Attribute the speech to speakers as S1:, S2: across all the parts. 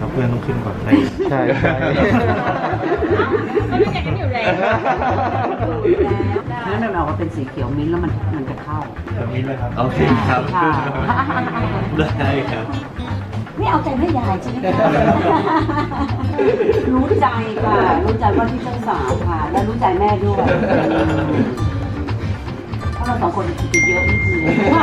S1: ครับเพื่อนต้องขึ้นก่อนใช่ใช่
S2: ก็ดูแกกันอยู่แล้ว
S3: นั่นมันออกมาเป็นสีเขียวมิ้นท์แล้วมันจะเข้า
S1: แบบนี้เลยครับ
S4: โอเคครับได้ครับ
S3: ไม่เอาใจแม่ยายใช่ไหมคะรู้ใจค่ะรู้ใจว่าที่เจ้าสาวค่ะและรู้ใจแม่ด้วยเพราะเราสองคนคิดเยอะนิดนึง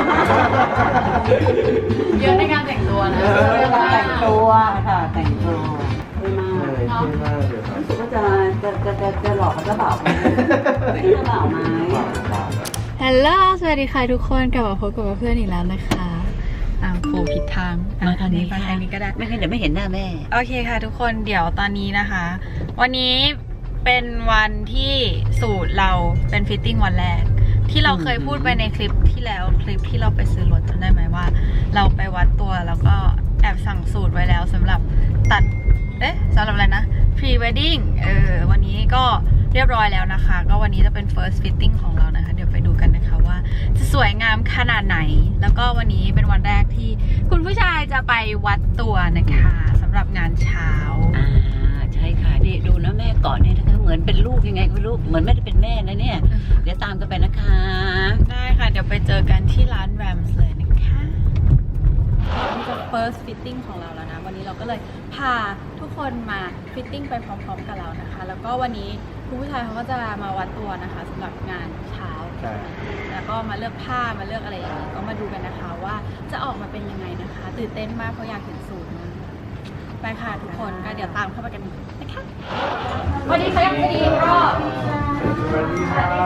S2: เยอะในการแต่งตัวนะ
S3: แต่งตัวค่ะแต่งตัวไม่มาก
S1: ใช่มากเลยครับ
S3: รู้สึกว่าจะหลอกกับเจ้าบ่าวไหมเจ้าบ่าวไหม
S2: ฮัลโหลสวัสดีค่ะทุกคนกลับมาพบกับเพื่อนอีกแล้วนะคะโผล่ผิดทาง
S3: มาทางนี้
S2: ทางนี้ก็ได้
S3: ไม่งั้นเดี๋ยวไม่เห็นหน้าแม่
S2: โอเคค่ะทุกคนเดี๋ยวตอนนี้นะคะ วันนี้เป็นวันที่สูตรเราเป็นฟิตติ้งวันแรกที่เราเคยพูดไปในคลิปที่แล้วคลิปที่เราไปซื้อรถจำได้ไหมว่า เราไปวัดตัวแล้วก็แอบสั่งสูตรไว้แล้วสำหรับตัดสำหรับอะไรนะ pre wedding วันนี้ก็เรียบร้อยแล้วนะคะก็วันนี้จะเป็น first fitting ของเรานะคะเดี๋ยวไปดูกันนะคะว่าจะสวยงามขนาดไหนแล้วก็วันนี้เป็นวันแรกที่คุณผู้ชายจะไปวัดตัวนะคะสำหรับงานเช้า
S3: ใช่ค่ะนี่ดูนะแม่ก่อนเนี่ยนะคะเหมือนเป็นลูกยังไงก็ลูกเหมือนไม่ได้เป็นแม่นะเนี่ยเดี๋ยวตามกันไปนะคะ
S2: ได้ค่ะเดี๋ยวไปเจอกันที่ร้าน Rams เลยนะคะนี่จะ first fitting ของเราแล้วนะวันนี้เราก็เลยพาทุกคนมา fitting ไปพร้อมๆกับเรานะคะแล้วก็วันนี้คุณผู้ชายเขาก็จะมาวัดตัวนะคะสำหรับงานเช้าแล้วก็มาเลือกผ้ามาเลือกอะไรอย่างนี้ก็มาดูกันนะคะว่าจะออกมาเป็นยังไงนะคะตื่นเต้นมากเพราะอยากเห็นสูตรมากไปค่ะทุกคนก็เดี๋ยวตามเข้าไปกันนะคะสวัสดีค่ะยังไม่ดีก็
S1: สวัสดีครับ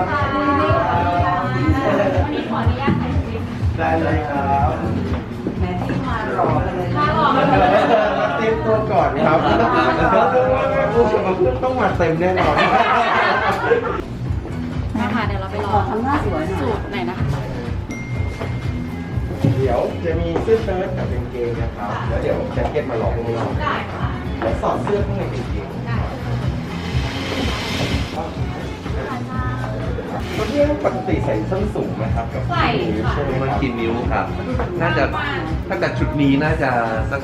S2: วันนี้ขออนุญาตถ่ายคลิป
S1: ได้เลยครับ
S3: แม่ที่มาหล่อกันเลย
S2: มาหล่อกันเลย
S1: มาเต็มตัวก่อนครับต้องมาเต็มแน่นอน
S2: นะคะเดี๋ยวเราไปรอ
S3: ทำหน้าสวยหน่อย
S2: สูตรไหนนะคะ
S1: เดี๋ยวจะมีเสื้อเชิ้ตกับกางเกงนะครับแล้วเดี๋ยวแจ็คเก็ตมาลองข้างนอก
S2: ได้ค่ะ
S1: แล้วสอดเสื้อข้างในกางเกง
S2: ได้
S1: วันนี้ปกติใส่ส้นสูงไหมครับกับ
S2: ใส่ค่ะ
S1: ใช่ไหม
S4: มัน
S1: ครับ
S4: กี่นิ้วครับ น่าจะถ้าเกิดชุดนี้น่าจะสัก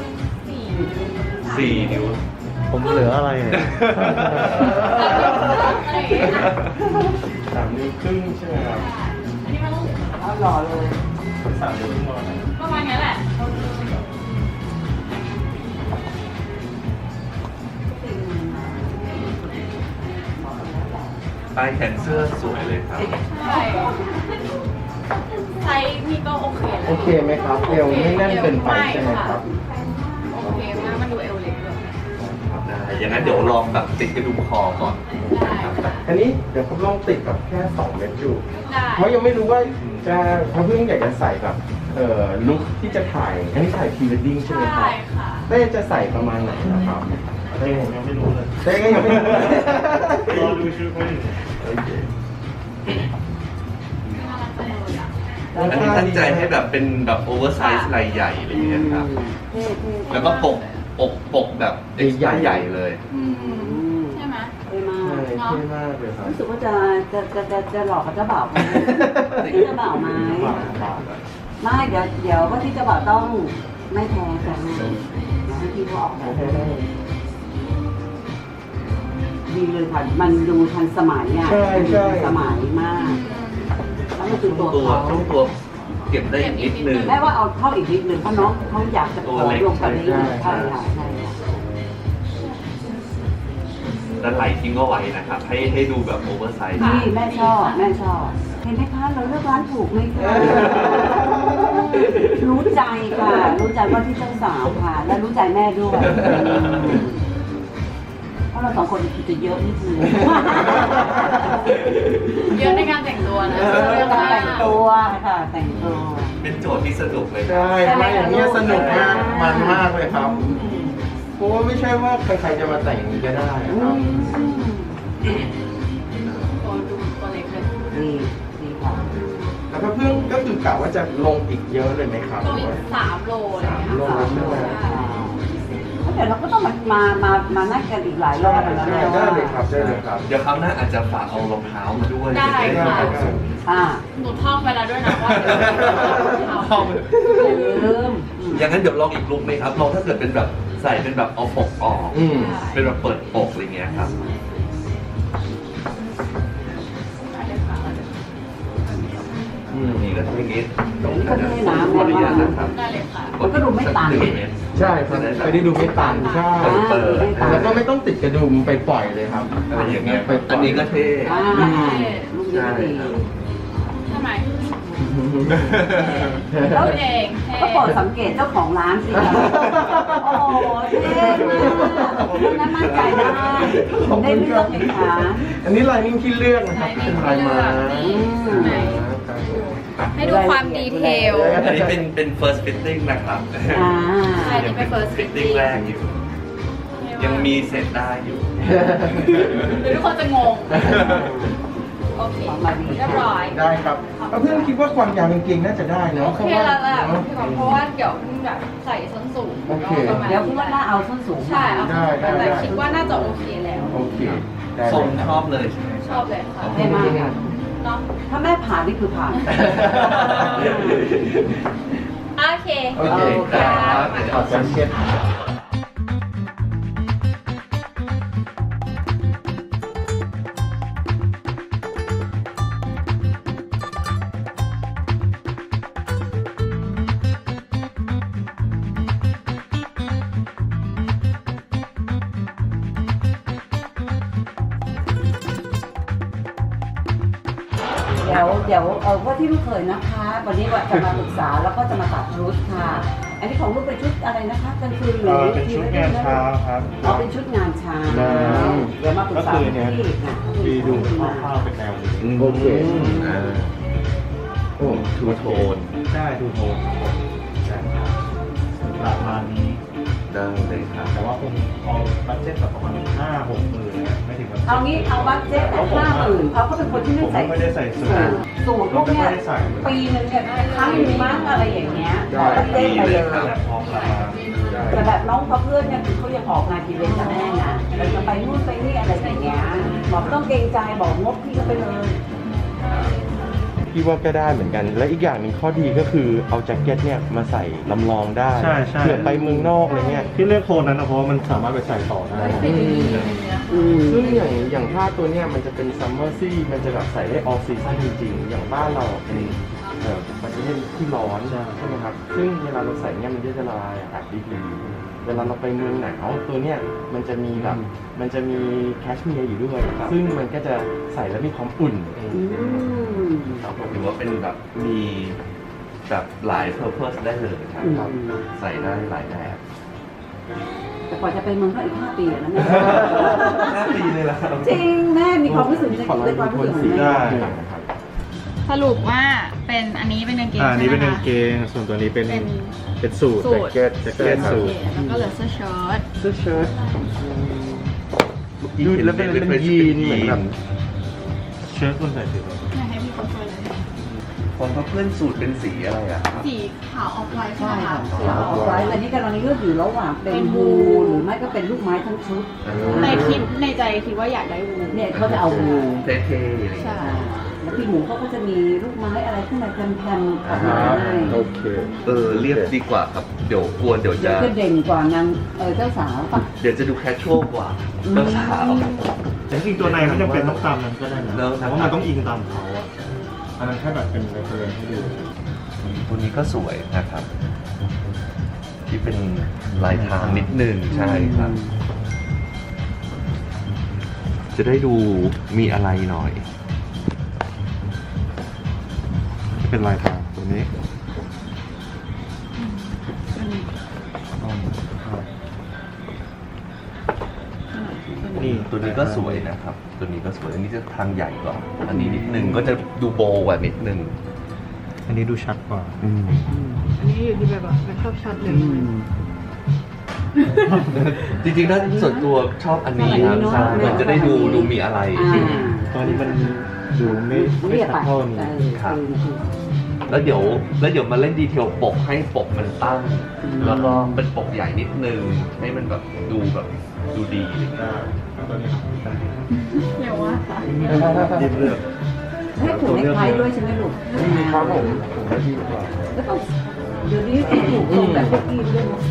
S4: 4 นิ้ว
S1: ผมเหลืออะไรเนี่ย3 นิ้วครึ่งใช่ไหมครับ
S2: อันนี้มันต้อง
S3: เอาหล่อเลย
S1: 3 นิ้วครึ่งประมาณนั้น
S2: ประมาณนี้แหละ
S4: ปลายแขนเสื้อสวยเลยครับ
S2: ใช่ไซส์นี่ก็โอเคแล้ว
S1: โอเคไหมครับเอวไม่แน่นเกินไปใช่ไหมครับ
S2: โอเคมากมันดูเอวเล็กด้วย
S4: ได้อย่างนั้นเดี๋ยวลองแบบติดกระดุมคอก่อน
S2: ได้
S1: อันนี้เดี๋ยวผมลองติดแบบแค่2 เม็ดดู
S2: ได้
S1: เพราะยังไม่รู้ว่าจะถ้าเพิ่งอยากจะใส่แบบลุคที่จะถ่าย อันนี้ถ่ายพรีเวดดิ้งใช่ไหมครั
S2: ใช่
S1: บ
S2: ค่ะ
S1: เต้จะใส่ประมาณไหนนะครับเต้ผมยังไม่รู้เลยเต้ก็ยังไม่รู้เลยรอดูชุดเขาอยู่โอเค
S4: อันนี้ตั้งใจให้แบบเป็นแบบโอเวอร์ไซส์ลายใหญ่อะไรอย่างเงี้ยครับ แล้วก็ปกแบบใหญ่เลย
S2: ใช่ไหม
S3: ไม่มาก
S1: ใช่เท่มากเลยครับ
S3: รู้สึกว่าจะหลอกกับเจ้าบ่าวไหมเจ้าบ่าวไหมไม่เดี๋ยวว่าที่เจ้าบ่าวต้องไม่แพ้กันนะที่เขาออกแบบดีเลยค่ะมันดูทันสมัยอ่ะสมัยมากแล้วมันคือตัวเขา
S4: ตัวเก็บได้อีกนิดนึง
S3: แม่ว่าเอาเข้าอีกนิดนึงเพราะน้องเขาอยากจะขอรวมกันนี้ใช่ค่ะใช่ค่ะ
S4: แล้วไหลทิ้งก็ไว้นะครับ ให้ดูแบบโอเวอร์ไซส์
S3: นี่แม่ชอบเห็นไหมคะเราเลือกร้านถูกไหมคะรู้ใจค่ะรู้ใจว่าที่เจ้าสาวค่ะและรู้ใจแม่ด้วยเพราะเราสองคนคิดเยอะนิดนึง
S2: เยอะในการแต่งตัวนะ
S3: แต่งตัวค่ะแต่งตัว
S4: เป็นโจทย์ที่สนุกเลย
S1: ใช่ไม่อย่างนี้สนุกมากมันมากเลยครับเพราะว่าไม่ใช่ว่าใครๆจะมาแต่งอย่างนี้ก็ได้ครับ
S2: ตัวเล็กเลย
S3: ดีค่ะ
S1: แล้วก็เพิ่งก็คือกะว่าจะลงอีกเยอะเลยไหมครับ
S2: ลงอีก3 โลเลย
S1: 3 โลใช่ไหม
S3: เดี๋ยวเราก็ต้องมานั่งกันอีกหลายรอบแล้วนะ
S1: ได้เลยครับได้เลยครับ
S4: เดี๋ยวคราวหน้าอาจจะฝากเอารองเท้ามาด้วย
S2: ได้ค่ะ
S3: อ่า
S2: หนูท่องไปแล้วด้วยนะว่า
S4: ท่อง
S3: ลืม
S4: อย่างนั้นเดี๋ยวลองอีกลุกไหมครับลองถ้าเกิดเป็นแบบใส่เป็นแบบเอาปกออก เป็นแบบเปิดปกอะไรเงี้ยครับนี่ก็ทีนี้ต้องขออนุญาตนะครับ
S2: ได้เลยค่ะ
S3: มันก็ดูไม่ตัน
S5: ใช่ครับไม่ได้ดูไม่ตันใช่
S4: เปิด
S5: แล้วก็ไม่ต้องติดกระดุมไปปล่อยเลยครับ
S4: อะไรอย่างเงี้ยอันนี้ก็เท่
S3: ลูกเยอะดี
S2: ทำไม
S3: แล้ว
S2: เอง
S3: ก็โปรดสังเกตเจ้าของร้านสิโอ้โหเท่มากนั้นมั่นใจได้ได้เลือกเองค่ะ
S5: อันนี้ลายนิ่งที่เลือกนะครับเป็นลายไม้
S2: ให้ดูความดีเทล
S4: อันนี้เป็น first fitting นะครับ
S2: ใช่นี่เป็น first
S4: fitting แรกอยู่ ยังมีเสร็จได้อยู่
S2: หรือทุกคนจะงง โอเคเรียบร้อย
S5: ได้ครับเพื่อนคิดว่าความยาวกางเกงน่าจะได้เนาะ
S2: โอเคแล้วแหละเพราะว่าเดี๋ยวแบบใส่ส้นสูง
S5: โอเค
S3: เดี๋ยวพี่ว่าน่าเอาส้นสูง
S2: ใช่เอาแต่คิดว่าน่าจะโอเคแล้ว
S5: โอเคได้
S4: ทรงชอบเลยใช่ไหม
S2: ชอบเลยค่ะ
S3: เท่มากค่ะ
S2: เนาะ
S3: ถ้าแม่ผ่านนี่คือผ่าน
S2: โอเค
S5: โอเคครับขอแซมเก็ต
S3: เดี๋ยวว่าที่ลูกเคยนะคะ วันนี้ว่าจะมาปรึกษาแล้วก็จะมาตัดชุดค่ะ อันนี้ของลูกเป็นชุดอะไรนะคะกลางคืนหรือ
S1: เป็นชุดงานเช้าครับ
S3: อ๋อเป็นชุดงานเช้าเดี๋ยวมาปรึกษาที่นะ
S1: มีดูคร่าวๆเป็นแนวนี้
S5: โอเค
S4: โอ้ทูโทน
S1: ใช่ดูโทนใช่ครับประมาณนี้
S4: ได้เลยครับ
S1: แต่ว่าคงเอาบัตเจ็ตแบบประมาณ5-6 หมื่นเนี่ยไม่ถึงแบบ
S3: เอางี้เอาบัตเจ็ตแต่50,000เพราะเขาเป็นคนที่ไม่ใส่
S1: ผมไม่ได้ใส่สูท
S3: สูตรพวกเนี้ยปีนึงเนี่ยครั้งหนึงมั้งอะไรอย่างเงี้ยบัตเจ็ตไปเลย
S1: แบบพร้อมราคา
S3: แต่แบบน้องเขาเพื่อนเนี่ยคือเขายังออกงานอีเวนต์กับแม่นะเราจะไปนู่นไปนี่อะไรอย่างเงี้ยบอกต้องเกรงใจบอกงบพี่ก็ไปเลย
S5: พี่ว่าก็ได้เหมือนกัน และอีกอย่างหนึ่งข้อดีก็คือเอาแจ็คเก็ตเนี่ยมาใส่ลำลองได้
S1: ใช่ใช่
S5: เผื่อไปเมืองนอกอะไรเงี้ย
S1: ที่เลือกโทนนั้นนะเพราะว่ามันสามารถไปใส่ต่อได้
S5: ซึ่งอย่างผ้าตัวเนี้ยมันจะเป็นซัมเมอร์ซี่มันจะแบบใส่ได้ออฟซีซั่นจริงๆ อย่างบ้านเราเป็นประเทศที่ร้อนใช่ไหมครับ ซึ่งเวลาเราใส่เนี่ยมันจะละลายอากาศดีๆเวลาเราไปเมืองหนาวตัวเนี้ยมันจะมีแบบมันจะมีแคชเมียร์อยู่ด้วยครับซึ่งมันก็จะใส่แล้วมีความอุ่น
S4: ครับผมถือว่าเป็นแบบมีแบบหลาย purpose ได้เลยครับใส่ได้หลายแบบ
S3: แต่กว่าจะไปเมืองก็อีก5 ปีนะแม่
S4: 5 ปีเลยละครับ
S3: จริงแม่มีความรู้สึกจะ
S5: ขอลอง
S3: ในความ
S5: ดู
S3: รู้
S5: โท
S3: สึ
S5: น
S3: กของ
S5: สีได้
S3: แม่
S5: นะครับ
S2: สรุปว่าเป็นอันนี้เป็นกางเกง
S1: อันนี้เป็น
S2: ใช่
S1: กาง
S2: ไหม
S1: เก
S2: คะ
S1: งส่วนตัวนี้เป็น
S2: เป็น
S1: สูท
S2: สูท
S5: แจ็คเก็ต
S1: สูท
S2: แล้วก็เหลือเสื้อเชิ้ต
S5: เสื้อเชิ้ตดูแล้วเป็นยีนเหมือนแบบ
S1: เชิ้ตคนใส่สีอะไร
S2: อยากให้พี่เขาช่วยเลย
S4: ของเพื่อนสูตรเป็นสีอะไรอะครับ
S2: สีขาวออกไลท์ใช่
S3: ใช่
S2: ไหม
S3: ค่ะ
S2: คะ
S3: สีออกไว้อันนี้กำลังเลือกอยู่ระหว่างเป็นวูหรือไม่ก็เป็นลูกไม้ทั้งชุด
S2: ในใจคิดว่าอยากได้วู
S3: เนี่ยเขาจะเอาวู
S4: เท่ๆอะไรอย่าง
S2: ใช่
S4: เงี้ย
S3: แล้วพี่หมูเขาก็จะมีลูกไม้อะไรขึ้นมาแพรมๆออกมาให้
S5: โอเค
S4: เรียบดีกว่าครับ เดี๋ยวกลัวเดี๋ยว
S3: เดี๋
S4: จะ
S3: ยวจะเด่นกว่านางเจ้าสาวปะ
S4: เดี๋ยวจะดูแคชชวลกว่าเจ้าสาว
S1: แต่จริงๆตัวในไม่จำเป็นต้องตามนั้นก็ได้นะ
S4: แล้ว
S1: แต่ว่ามันต้องอิงตามเขาอะอันนั้นแค่แบบเป็นเรฟเฟรนซ์ให้ดู
S4: ตัวนี้ก็สวยนะครับ ที่เป็นลายทางนิดนึงใช่ครับ จะได้ดูมีอะไรหน่อย
S1: เป็นลายทางตัวนี้
S4: นี่ตัวนี้ก็สวยนะครับ ตัวนี้ก็สวย อันนี้จะทางใหญ่กว่า อันนี้นิดนึงก็จะดูโบกว่านิดนึง
S1: อันนี้ดูชัดกว่า
S2: อันนี้อยู่ที่แบบว่าไม่ชอบชัดเลย
S4: จริงๆถ้าส่วนตัวชอบอันนี้ครับใช่มันจะได้ดูมีอะไร
S1: ตอนนี้มันดูไม่
S3: เรียบ
S1: ชัด
S3: ไป
S1: เท่านี้
S4: ครับ แล้วเดี๋ยวมาเล่นดีเทลปกให้ปกมันตั้ง แล้วก็เป็นปกใหญ่นิดนึง ให้มันแบบดูดีอะไรอย่างเงี้ย
S1: ตัวนี้
S2: เดี๋ยวว่าค่ะ
S1: ยิ้มเลือก
S3: ให้ผูกเนคไทด้วยใช่ไหมลูก
S5: ครับผมว่าดีกว่า
S3: แล้วก็เดี๋ยวนี้ผูกตรงแบบเมื่อกี้ด้วย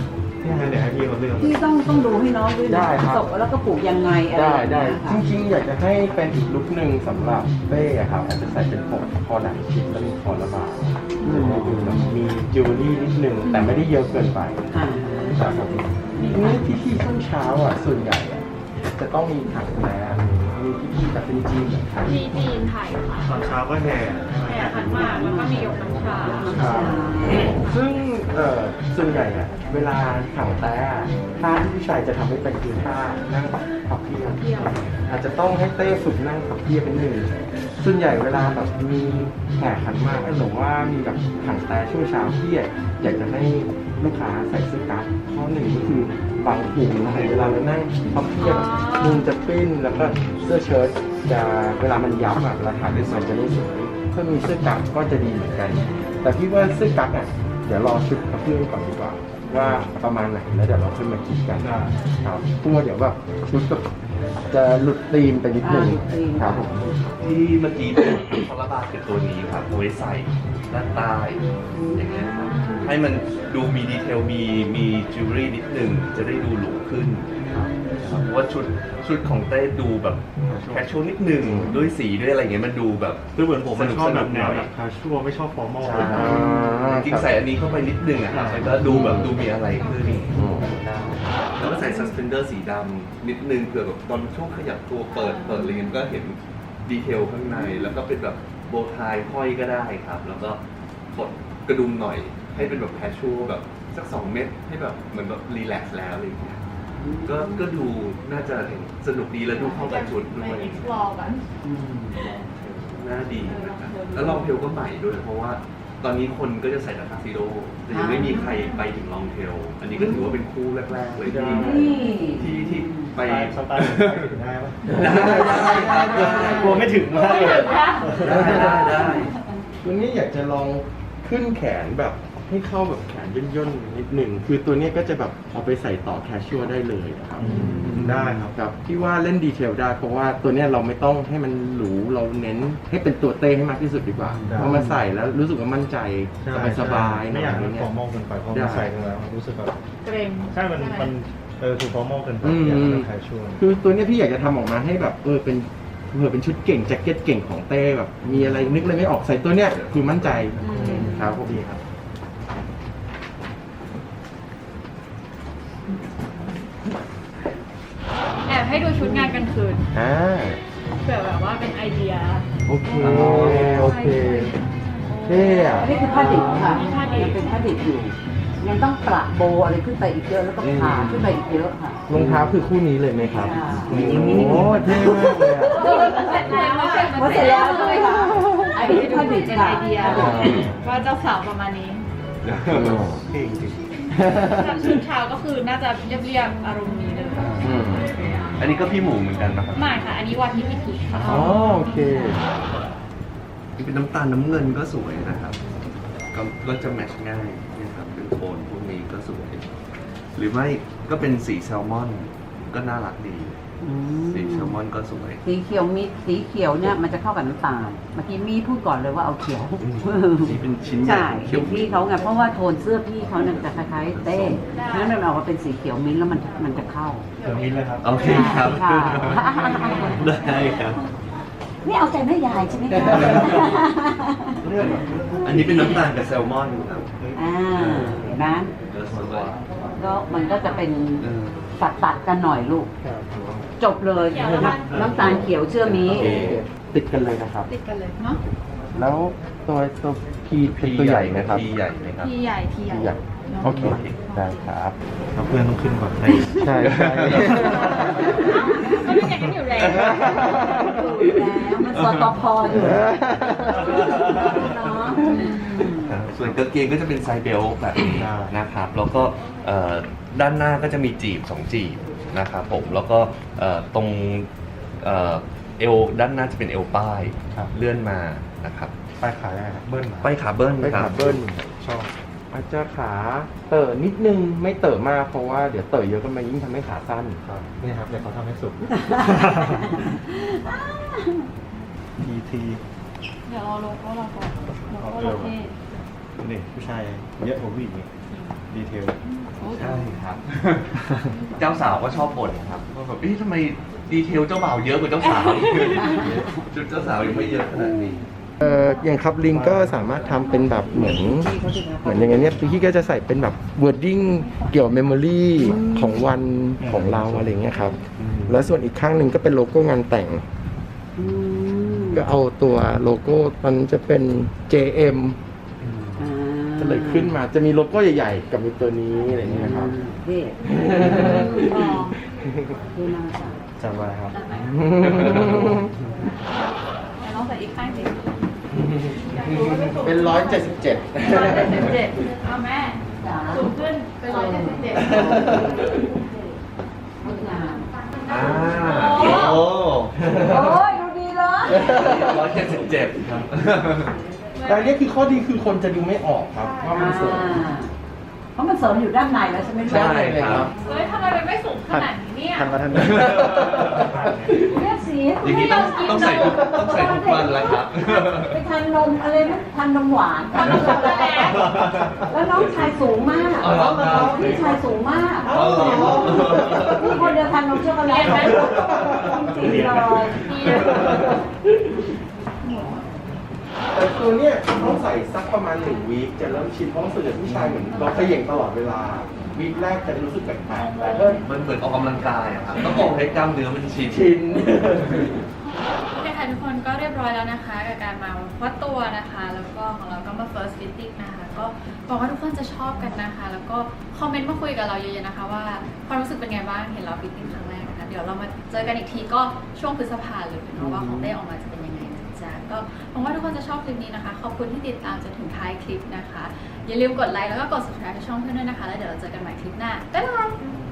S1: เดี๋ยวให้พี่เขาเลือก
S3: พี่ต้องดูให้น้องด้วย
S5: ได้
S3: นะครับ ศพแล้วก็ปลูกยังไงอะไร
S5: ได้
S3: อย่าง
S5: ได้
S3: เงี้ยค่ะ
S5: จริงๆอยากจะให้เป็นอีกลุคหนึ่งสำหรับเต้อะครับอาจจะใส่เป็นคอหนังชิ้นแล้วมีคอระบาดจะได้ดูแบบมีจิวเวลรี่นิดนึงแต่ไม่ได้เยอะเกินไป
S3: อ่า
S5: ครับผมนี่พิธีช่วงเช้าอ่ะส่วนใหญ่อะจะต้องมีถังน้ำมีพิธีแบบเป็นจีนเหมือนกัน
S2: มีจีนไทยค่ะ
S1: ตอนเช้าก็แห่
S2: แห่ขันหมากแล้วก็มียกน้ำชา
S5: ครับซึ่งส่วนใหญ่อะเวลาถังแต้ท่าที่ผู้ชายจะทำให้เป็นคือท่านั่งพับเพียบอาจจะต้องให้เต้ฝึกนั่งพับเพียบเป็นหนึ่งส่วนใหญ่เวลาแบบมีแห่ขันหมากหรือว่ามีแบบถังแต้ช่วงเช้าที่อยากจะให้ลูกค้าใส่เสื้อกั๊กข้อหนึ่งก็คือบางหูนะครับเวลาเรานั่งพับเพียบมุมจะปิ้นแล้วก็เสื้อเชิ้ตจะเวลามันยับอะเวลาถ่ายด้วยมันจะไม่สวยถ้ามีเสื้อกั๊กก็จะดีเหมือนกัน แต่พี่ว่าเสื้อกั๊กอ่ะเดี๋ยวรอชุดพับเพียบก่อนดีกว่า ว่าประมาณไหนแล้วเดี๋ยวเราค่อยมาคิดกันครับกลัวเดี๋ยวแบบชุดแบบจะหลุดธีมไปนิดนึงครับผม
S4: ที่เมื่อกี้เป็นคอลลาบาคือตัวนี้ครับเอาไว้ใส่ด้านใต้อย่างเงี้ยครับให้มันดูมีดีเทลมีจิวเวลรี่นิดนึงจะได้ดูหรูขึ้นครับเพราะว่าชุดของเต้ดูแบบแคชชวลนิดนึงด้วยสีด้วยอะไรเงี้ยมันดูแบบ
S1: คือเหมือนผมมันชอบแบบแนว
S4: ห
S1: แบ
S4: น่อย
S1: บคาชัวไม่ชอบฟอร์มอล
S4: จริงๆใส่อันนี้เข้าไปนิดนึงอะครับมันก็ดูแบบดูมีอะไรขึ้นแล้วก็ใส่ซัสเพนเดอร์สีดำนิดนึงเผื่อแบบตอนช่วงขยับตัวเปิดอะไรเงี้ยก็เห็นดีเทลข้างในแล้วก็เป็นแบบโบว์ไทห้อยก็ได้ครับ แล้วก็กดกระดุมหน่อยให้เป็นแบบแคชชวลแบบสัก2 เม็ดให้แบบเหมือนแบบรีแลกซ์แล้วอะไรอย่างเงี้ยก็ดูน่าจะสนุกดีแล้วดูเข้ากับชุดด้วย
S2: explore กัน
S4: น่าดีนะครับแล้วลองเทลก็ใหม่ด้วย เพราะว่าตอนนี้คนก็จะใส่แต่ทักซิโดแต่ยังไม่มีใครไปถึงลองเทล อันนี้ก็ถือว่าเป็นคู่แรกๆเลยที่ไป
S1: สไตล์ถึงได้ปะ
S4: ได้
S1: กลัวไม่ถึงมากเลย
S4: ได้
S5: ตัวนี้อยากจะลองขึ้นแขนแบบให้เข้าแบบแขนย่นๆนิดหนึ่งคือตัวนี้ก็จะแบบเอาไปใส่ต่อแคชชัวได้เลยนะครับ
S1: ได้ครับ
S5: ครับพี่ว่าเล่นดีเทลได้เพราะว่าตัวเนี้ยเราไม่ต้องให้มันหรูเราเน้นให้เป็นตัวเต้ให้มากที่สุดดีกว่า
S1: ได้
S5: พอมาใส่แล้วรู้สึกว่ามั่นใจสบายๆ
S1: ไม่อยากให้มัน
S5: เนี่
S1: ฟอร์มอลเกินไปเพราะมันใส่กันแล้วรู้สึกแบบ
S2: เกรง
S1: ใช่มันถูกฟอร์มอลเกินไปอยากให้มันแคชชวล
S5: คือตัวเนี้ยพี่อยากจะทำออกมาให้แบบเป็นเผื่อเป็นชุดเก่งแจ็คเก็ตเก่งของเต้แบบมีอะไรนึกอะไรไม่ออกใส่ตัวเนี้ยคือมั่นใจครับผม
S1: ดีครับ
S2: แอบให้ดูชุดงานกลางคืน เผื่อแบบว่าเป็นไอเดีย
S5: โอเคโอเคเท่อะ
S3: อันนี้คือผ้าดิบค่ะ
S2: ผ้าดิบ
S3: ยังเป็นผ้าดิบอยู่ ยังต้องประโบอะไรขึ้นไปอีกเยอะแล้วก็ผ่าขึ้นไปอีกเยอะค่ะ
S5: รองเท้าคือคู่นี้เลยไหมครับ
S3: ใช่
S5: โอ้โหเท่มากเลยอะ
S3: พอเสร็จแล้วใช่ไหมคะอันนี้ผ้าดิบ
S2: เป็น
S3: ค่ะ
S2: ไอเดียว่าเจ้าสาวประมาณนี้
S1: เก่งจริง
S2: จากชุดเช้าก็คือน่าจะเรียบๆอารมณ์นี้เลย
S5: อืม
S4: อันนี้ก็พี่หมูเหมือนกันนะครับ
S2: ไม่ค่ะ อันนี้วันที่พิธีค่ะ
S5: อ๋อโอเค
S4: นี่เป็นน้ำตาลน้ำเงินก็สวยนะครับ ก็จะแมทช์ง่ายนะครับเป็นโทนพวกนี้ก็สวย หรือไม่ก็เป็นสีแซลมอนก็น่ารักดี สีแซลมอนก็สวย
S3: สีเขียวมิดสีเขียวเนี่ยมันจะเข้ากับน้ำตาล เมื่อกี้มีพูดก่อนเลยว่าเอาเขียว
S4: สีเป็นชิ้นใหญ่
S3: ใช่
S4: เขียว
S3: พี่เขาไงเพราะว่าโทนเสื้อพี่เขาเนี่ยจะคล้ายๆเต้เพราะฉะนั้นมันออกมาเป็นสีเขียวมิ้นท์แล้วมันจะเข้า
S1: เดี๋ยวมิ้นเลยครับ
S4: โอเคครับ
S3: ค่ะ
S4: ได้ครับ
S3: นี่เอาใจแม่ยายใช่ไหมคะ
S4: อันนี้เป็นน้ำตาลกับแซลมอนครับ
S3: อ่าเห็นไหม
S4: ก็สวย
S3: ก็มันก็จะเป็น
S4: เออ
S3: ตัดกันหน่อยลูก จบเลยน้ำตาลเขียวเชื่อมี
S5: โอเคติดกันเลยนะครับ
S2: ติดกันเลยเนาะ
S5: แล้วตัวพีเป็นตัวใหญ่ไหมครับ
S4: พี่ใหญ่ไหมครับ
S2: ทีใหญ่ทีใหญ่
S5: ใหญ่โอเคได้ครับ
S1: เพื่อนต้องขึ้นก่อน
S5: ใช่ใช่
S2: ก็ดูอย่างนั้นอยู่แล้ว
S3: มันสตพอยู่เนาะ
S4: ส่วนกางเกงก็จะเป็นไซส์เบลต์แบบนี้นะครับ แล้วก็ด้านหน้าก็จะมีจีบ2จีบนะครับผม แล้วก็ตรงเอวด้านหน้าจะเป็นเอวป้ายเลื่อนมานะครับ
S1: ป้ายขายได้ครับเบิ้ลมา
S4: ป้ายขาเบิ้ล
S5: ไป
S4: ครั
S5: ขา
S4: บ
S5: เบิ้ล
S1: ชอบ
S5: อาจจะขาเต๋อนิดนึงไม่เต๋อมากเพราะว่าเดี๋ยวเต๋อเยอะก็มายิ่งทำให้ขาสั้น
S1: ครับนี่ครับเดี๋ยวเขาทำให้สุด PT
S2: เดี๋ยวเราลงก็เราก่อนเราก็โอเค
S1: นี่ผู้ชายเยอะกว่าผู้หญิงอีกดีเทล
S4: ใช่ครับ เจ้าสาวก็ชอบบ่นครับว่าแบบทำไมดีเทลเจ้าบ่าวเยอะกว่าเจ้าสาวชุดเจ้าสาวยังไม่เยอะขนาดนี้
S5: อย่างคัพลิงก็สามารถทำเป็นแบบเหมือนอย่างเงี้ยพี่ก็จะใส่เป็นแบบ wording เกี่ยวกับ memory ของวันของเราอะไรเงี้ยครับ แล้วส่วนอีกข้างหนึ่งก็เป็นโลโก้งานแต่ง
S3: อืม
S5: ก็เอาตัวโลโก้มันจะเป็น JM
S3: อ่า
S5: ก็เลยขึ้นมาจะมีโลโก้ใหญ่ๆ กับมีตัวนี้อะไรเงี้ยครับ
S3: เท่ดูน่าจะ
S1: จำไว้ครับ
S2: น้องใส่อีกข้างสิ
S5: เป็น 177
S2: 177เอาแม่
S3: จ๋า
S2: สูงขึ้นเป็น177
S3: งดงาม
S4: โอ้
S3: โอ้ยดูดีเลย
S4: 177ครับ
S5: แต่อันนี้คือข้อดีคือคนจะดูไม่ออกครับว่ามันสูง
S3: เพราะมันเสริมอยู่ด้านในแล้วใช่ไหม
S4: ใช่ครับ
S2: เฮ้ยทำไมมันไม่สูงขนาดนี้เนี่ย
S1: ทันมาทัน
S3: เรียกสี
S4: อย่างนี้ต้องใส่ทุกวันแล้วครับ
S3: ไปทานนมอะไรนะทานนมหวานทานนมช็อกโกแลตแล้วน้องชายสูงมาก
S4: อ๋อเหรอครับ
S3: พี่ชายสูงมาก
S4: อ๋อเหรอ
S3: พี่คนเดียวทานนมช็อกโกแลตจริงๆเลย
S5: แต่ตัวเนี้ยต้องใส่สักประมาณ1 วีคจะเริ่มชินเพราะส่วนใหญ่ผู้ชายเหมือนเราเขย่งตลอดเวลา วีคแรกจะรู้สึกแปลกๆแต่ก็
S4: มันเหมือนออกกำลังกายอะครับต้องออกให้กล้ามเนื้อมันชิน
S5: ชิน
S2: โอเคค่ะทุกคนก็เรียบร้อยแล้วนะคะกับการมาวัดตัวนะคะ แล้วก็ของเราก็มา first fitting นะคะ ก็หวังว่าทุกคนจะชอบกันนะคะ แล้วก็คอมเมนต์มาคุยกับเราเยอะๆนะคะว่าความรู้สึกเป็นไงบ้างเห็นเรา fitting ครั้งแรกนะคะ เดี๋ยวเรามาเจอกันอีกทีก็ช่วงพฤษภาเลยเนาะว่าของได้ออกมาจะเป็นยังไงนะจ๊ะก็หวังว่าทุกคนจะชอบคลิปนี้นะคะขอบคุณที่ติดตามจนถึงท้ายคลิปนะคะอย่าลืมกดไลค์แล้วก็กด subscribe ช่องเพื่อนด้วยนะคะแล้วเดี๋ยวเราเจอกันใหม่คลิปหน้าบ๊ายบาย